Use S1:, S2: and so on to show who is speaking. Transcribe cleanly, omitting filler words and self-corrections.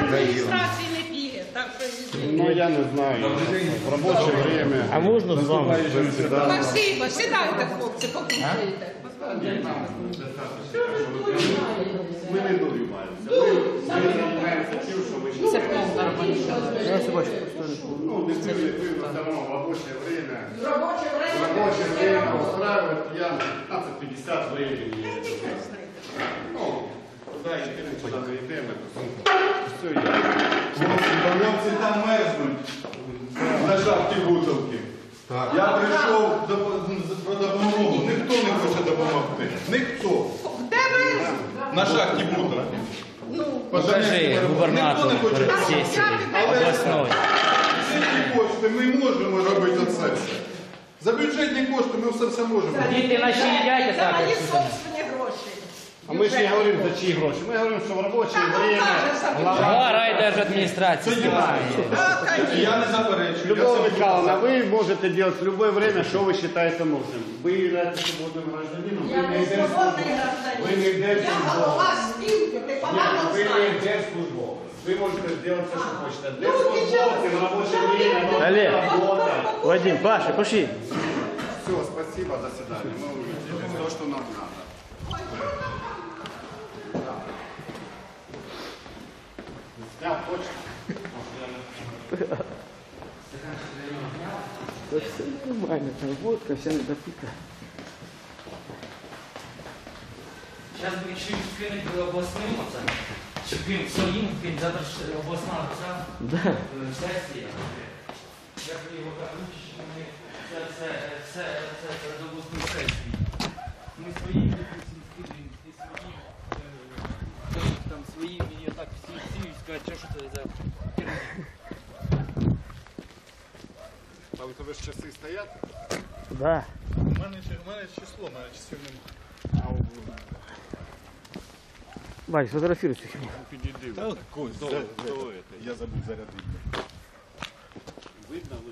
S1: адміністрації не п'є.
S2: Ну, я не знаю. В робоче время.
S3: А можна з вами?
S1: Спасибо, сідайте, хлопці, покушайте.
S2: Ми не добиваємося. Ми займаємося тим, що ми ще...
S1: Це повна робоча.
S2: Ну, не пивно, все равно в рабочее время. В рабочее время устраивает я 15-50 времени. Ну, туда идем, куда мы идем, все есть.
S4: Хлопці там мерзнуть на шахті Бутовки. Я прийшов про допомогу, ніхто не хоче допомогти. Ніхто.
S1: Де ви?
S4: На шахті Бутовки.
S3: Покажи губернатору сесії обласної.
S4: Бюджетні кошти ми можемо робити це все. За бюджетні кошти ми все можемо.
S3: Діти наші їдять,
S1: За
S3: так?
S1: мої собственні гроші.
S2: А мы же не говорим за чьи гроши. Мы говорим, что в рабочее время
S3: Глава райдержадминистрации снимает.
S4: Я не заперечую.
S2: Любовь Михайловна, вы можете делать в любое время, что вы считаете нужным. Вы являетесь свободным гражданином,
S1: Я не свободний
S2: вы не
S1: гражданин. Я голова спілки, ти погано
S2: Вы не
S1: знаєш.
S2: держслужбовец. Вы можете сделать все, что хотите. Держслужбовцы в рабочее время
S3: Олег.
S2: работа.
S3: Вадим, Паша, пошли.
S2: Все, спасибо, до свидания. Мы увидели то, что нам надо. Снял почту.
S3: Да все нормально, там водка, вся недопита.
S5: Зараз би якщо їм скинути обласним, щоб він своїм, він завтра ж обласна
S3: Да.
S5: сесія. Як ви його кажуть, що ми це до обласної сесії. Ми свої скидуємо, і свої, там свої, мені так всі скажуть, що це за...
S2: А у тебе ж часи стоять?
S3: Да.
S4: У мене число, у мене часів немає.
S3: Вань, сфотографируй цю херню.
S4: Я забув зарядити.
S2: Видно,